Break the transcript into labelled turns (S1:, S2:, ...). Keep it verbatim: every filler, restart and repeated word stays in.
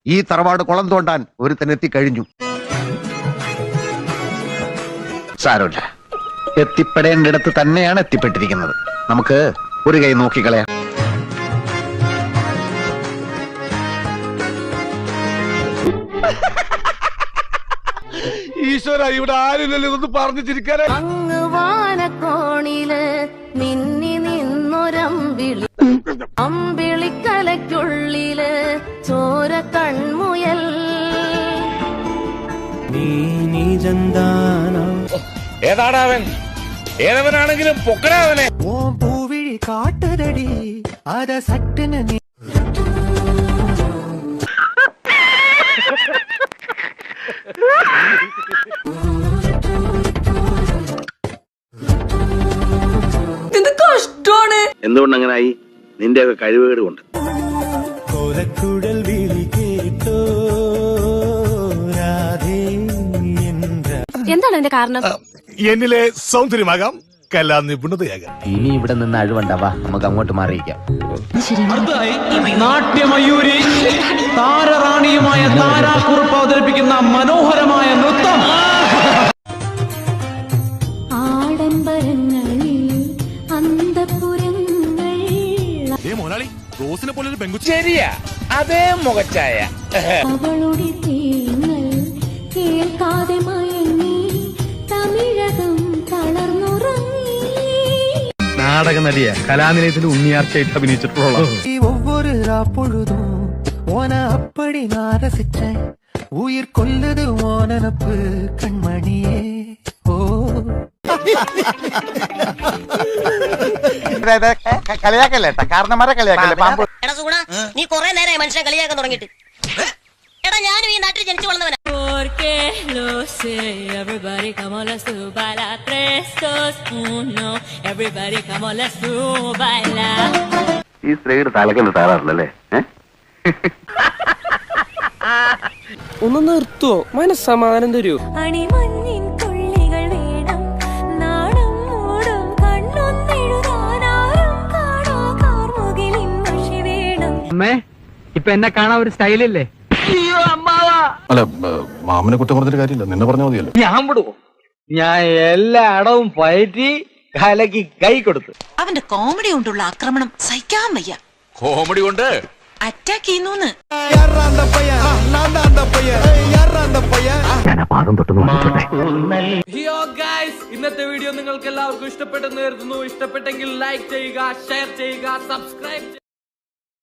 S1: ഈ തറവാട് കുളം തോണ്ടാൻ ഒരുത്തനെത്തി കഴിഞ്ഞു. സാരമില്ല, എത്തിപ്പെടേണ്ടിടത്ത് തന്നെയാണ് എത്തിപ്പെട്ടിരിക്കുന്നത്. നമുക്ക് ഒരു കൈ നോക്കിക്കളയാം.
S2: ഈശ്വര, ഇവിടെ ആരില്ലല്ലോ ഇതൊന്ന് പറഞ്ഞു ചിരിക്കാനേ.
S3: അങ്ങ് വാനക്കോണില് മിന്നി നിന്നൊരമ്പിളി, അമ്പിളിക്കലയ്ക്കുള്ളില് ചോര കൺമുയൽ.
S2: ഏതാടാവൻ? ഏതവനാണെങ്കിലും പൊക്കടാവനെ.
S4: പൂവിഴി കാട്ടുതടി അത സട്ടിന് നീ.
S5: എന്തുകൊണ്ടങ്ങനായി? നിന്റെയൊക്കെ കഴിവുകേട് കൊണ്ട്.
S4: കോലക്കുഴൽ വിളി കേട്ടോ
S3: എന്താണ് എന്റെ കാരണം?
S2: എന്നിലെ സൗന്ദര്യമാകാം, കലാ നിപുണതയാകാം.
S6: ഇനി ഇവിടെ നിന്ന് അഴിവണ്ടാവാ, നമുക്ക് അങ്ങോട്ട് മാറിയിക്കാം.
S7: നാട്യമയൂരി താരറാണിയുമായ താരാക്കുറുപ്പ് അവതരിപ്പിക്കുന്ന മനോഹരമായ നൃത്തം.
S2: ശരിയാ, അതേ മുഖച്ചായ.
S3: അവളുടെ തേങ്ങൾ കേൾക്കാതെ മയങ്ങി തമിഴകം തളർന്നുറങ്ങി.
S7: നാടക നടിയ കലാനിലയത്തിൽ ഉണ്ണിയാർച്ചയായിട്ട് അഭിനയിച്ചിട്ടുള്ള
S4: ஒவ்வொரு பொழுதும் ஓன அப்படி நான் ரசிச்சேன். உயிர் கொல்லுது ஓனப்பு கண்மணியே. ஓ
S1: കളിയാക്കല്ലേട്ടാ, കാരണന്മാരെ കളിയാക്കല്ലേ. പാമ്പ്
S8: എടാ സുഗുണ, നീ കുറെ നേരമായി മനുഷ്യനെ കളിയാക്കാൻ തുടങ്ങിയിട്ട്. എടാ, ഞാനും ഈ നാട്ടിൽ ജനിച്ചു വളർന്നവനാ.
S5: ഈ സ്ത്രീയുടെ തലക്കെന്ന് താറാറില്ലല്ലേ?
S9: ഒന്ന് നിർത്തുവോ? മനസ്സമാധാനം തരൂ.
S3: അണിമഞ്ഞിൻ തുള്ളികൾ വേണം, നാടും മൂടും കണ്ണൊന്നെഴുതാനാരും കാണാ കാർമുകിലിൻ മഷി വേണം.
S7: അമ്മേ, ഇപ്പൊ എന്നെ കാണാൻ ഒരു സ്റ്റൈലില്ലേ?
S10: അല്ല, മാമനെ കുറ്റം പറഞ്ഞിട്ട് കാര്യമില്ല, നിന്നെ പറഞ്ഞാൽ മതിയല്ലോ.
S7: ഞാൻ വിടുവോ? ഞാൻ എല്ലാ അടവും പയറ്റി കലക്ക് കൈ കൊടുത്തു.
S8: അവന്റെ കോമഡി കൊണ്ടുള്ള ആക്രമണം സഹിക്കാൻ വയ്യ.
S2: കോമഡി കൊണ്ട്
S8: അറ്റാക്ക് ചെയ്യുന്നു.
S7: ഇന്നത്തെ വീഡിയോ നിങ്ങൾക്ക് എല്ലാവർക്കും ഇഷ്ടപ്പെട്ടെന്ന് കരുതുന്നു. ഇഷ്ടപ്പെട്ടെങ്കിൽ ലൈക്ക് ചെയ്യുക, ഷെയർ ചെയ്യുക, സബ്സ്ക്രൈബ്